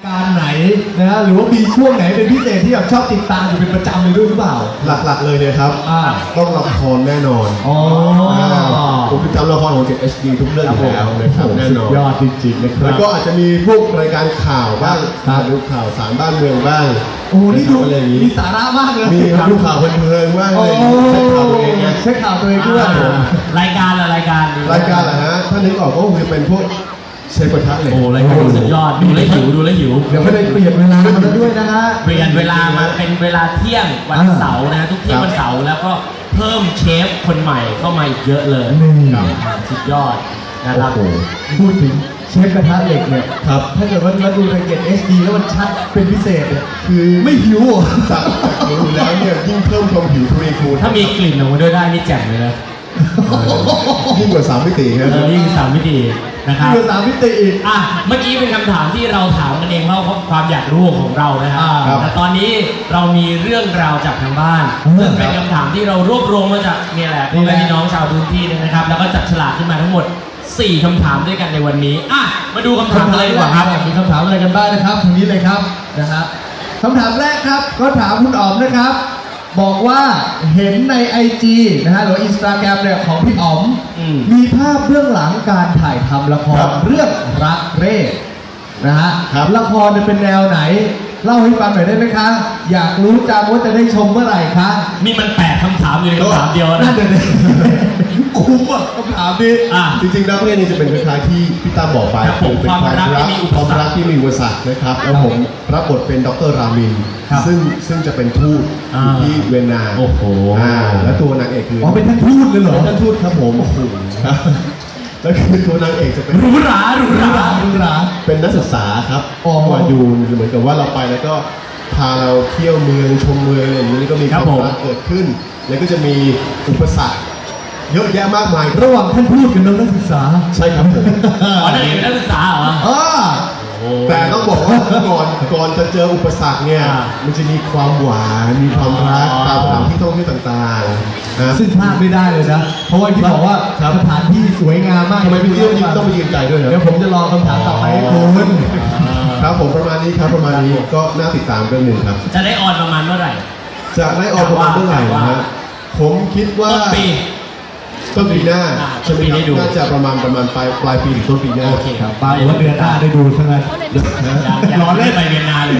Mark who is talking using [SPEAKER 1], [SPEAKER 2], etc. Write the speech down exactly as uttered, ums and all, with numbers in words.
[SPEAKER 1] การไหนนะฮะหรือว่ามีช่วงไหนเป็นพิเศษที่แบบชอบติดตามอยู่เป็นประจำเลยด้วยหรือเปล่า
[SPEAKER 2] หลักๆเลยเนี่ยครับต้องละครแน่นอน
[SPEAKER 1] อ๋อ
[SPEAKER 2] ผมติดตามละครของ เจ็ด เอช ดี ทุกเรื่องอยู่แล้วนะครับแน่นอน
[SPEAKER 1] ยอดจริงๆนะครับ
[SPEAKER 2] แล้วก็อาจจะมีพวกรายการข่าวบ้างดูข่าวสารบ้านเมืองบ้าง
[SPEAKER 1] โอ้นี่ดูมีสาระมากเลย
[SPEAKER 2] มีดูข่าวเพลินๆบ้างเลยเช็คข่าวตัวเองไง
[SPEAKER 1] เช็คข่าวตัวเองด้วย
[SPEAKER 3] รายการอะไรรายการ
[SPEAKER 2] รายการเหรอฮะถ้านึกออกก็คือเป็นพวกเชฟกระทะเหล็ก
[SPEAKER 3] โอ้รายการสุดยอดดูแลหิวดูแลหิว
[SPEAKER 1] เดี๋ยวไม่ได้เปลี่ยนเวลามาด้วยนะฮะ
[SPEAKER 3] เปลี่ยนเวลามาเป็นเวลาเที่ยงวันเสาร์นะทุกเที่ยงวันเสาร์แล้วก็เพิ่มเชฟคนใหม่เข้ามาอีกเยอะเลยสุดยอดนะครับ
[SPEAKER 1] พูดถึงเชฟกระทะเหล็กเนี่ย
[SPEAKER 2] ครับ
[SPEAKER 1] ถ้าเกิดว่าเราดูในเกต เอช ดี แล้วมันชัดเป็นพิเศษเนี่ยคือไม่หิวอ่ะ
[SPEAKER 2] จากหิวแล้วเนี่ยยิ่งเพิ่มความหิวทวีคูณ
[SPEAKER 3] ถ้ามีกลิ่นออกมาด้วยได้นี่แจ่มเลยนะ
[SPEAKER 2] ยิ่งกว่าสามมิติครับ
[SPEAKER 3] ยิ่งสามมิตินะครับ
[SPEAKER 1] ยิ่งกว่าสามมิติอีก
[SPEAKER 3] อ่ะเมื่อกี้เป็นคำถามที่เราถามกันเองเพราะความอยากรู้ของเรานะครับแต่ตอนนี้เรามีเรื่องราวจากทางบ้านซึ่งเป็นคำถามที่เรารวบรวมมาจากเนี่ยแหละพ่อแม่พี่น้องชาวพื้นที่เนี่ยนะครับแล้วก็จับฉลากขึ้นมาทั้งหมดสี่คำถามด้วยกันในวันนี้อ่ะมาดูคำถามอะไรดีกว่าครับ
[SPEAKER 1] มีคำถามอะไรกันบ้างนะครับทางนี้เลยครับนะครับคำถามแรกครับก็ถามคุณอ๋อมนะครับบอกว่าเห็นใน ไอ จี นะฮะหรือ Instagram เนี่ยของพี่อ๋อมมีภาพเบื้องหลังการถ่ายทำละครเรื่องรักเร่นะฮะละครจะเป็นแนวไหนเล่าให้ฟังหน่อยได้ไหมคะอยากรู้จังว่าจะได้ชมเมื่อไหร่คะ
[SPEAKER 3] นี่มันแปดคำถามอยู่ในคำถามเดียวนะ
[SPEAKER 1] คุ้มอ่ะคำถามนี้
[SPEAKER 2] จริงๆรักเร่นี่จะเป็นคล้ายๆที่พี่ตั้มบอกไป
[SPEAKER 3] เป็นความรักที่มีอุปสรรค
[SPEAKER 2] ที่มีอุปสรรคนะครับแล้วผมรับบทเป็นดร.รามินซึ่งซึ่งจะเป็นทูตอยู่ที่เวียนนา
[SPEAKER 3] โอ้โห
[SPEAKER 2] และตัวนางเอกคือ
[SPEAKER 1] อ๋อเป็นท่านทูตเลยเหรอ
[SPEAKER 2] ท่านทูตครับผมโอ้โหแล้วคือตัวนางเอกจะเป็น
[SPEAKER 3] รู้รารู้รา
[SPEAKER 1] รู้รา
[SPEAKER 2] เป็นนักศึกษาครับมาดูเหมือนกับว่าเราไปแล้วก็พาเราเที่ยวเมืองชมเมืองอย่างนี้ก็มีความรักเกิดขึ้นแล้วก็จะมีอุปสรรคเยอะแยะมากมาย
[SPEAKER 1] ระหว่างท่านพูดกับน้องนักศึกษา
[SPEAKER 2] ใช่ครับผม
[SPEAKER 3] อ๋อนั่นเองนักศึกษาเหรอ
[SPEAKER 1] อ๋อ
[SPEAKER 2] แต่ต้องบอกว่าก่อนก่อนจะเจออุปสรรคเนี่ยมันจะมีความหวานมีความรักตามสถานที่ท่องเที่ยวต่างๆนะ
[SPEAKER 1] ซึ่งพลาดไม่ได้เลยนะเพราะว่าที่บอกว่าสถานที่สวยงามมาก
[SPEAKER 2] ทำไมพี่เที่ยวต้องไปยืนใจด้วย
[SPEAKER 1] เดี๋ยวผมจะรอคำถามต่อไปคุณ
[SPEAKER 2] ครับผมประมาณนี้ครับประมาณนี้ก็น่าติดตามเรื่องหนึ่งครับ
[SPEAKER 3] จะได้ออนประมาณเมื่อไหร่
[SPEAKER 2] จะได้ออนประมาณเมื่อไหร่นะผมคิดว่า
[SPEAKER 3] ต้นปี
[SPEAKER 2] ต้นปีหน้า
[SPEAKER 3] ต้นปีได้ดู
[SPEAKER 2] น่าจะประมาณประมาณปลายปลายปีถึงต้นปีหน้า
[SPEAKER 1] โอเคครับปลายเดือนหน้าได้ดูใช่ไหม
[SPEAKER 3] ร้อนเล่นไปเวียนนาเลย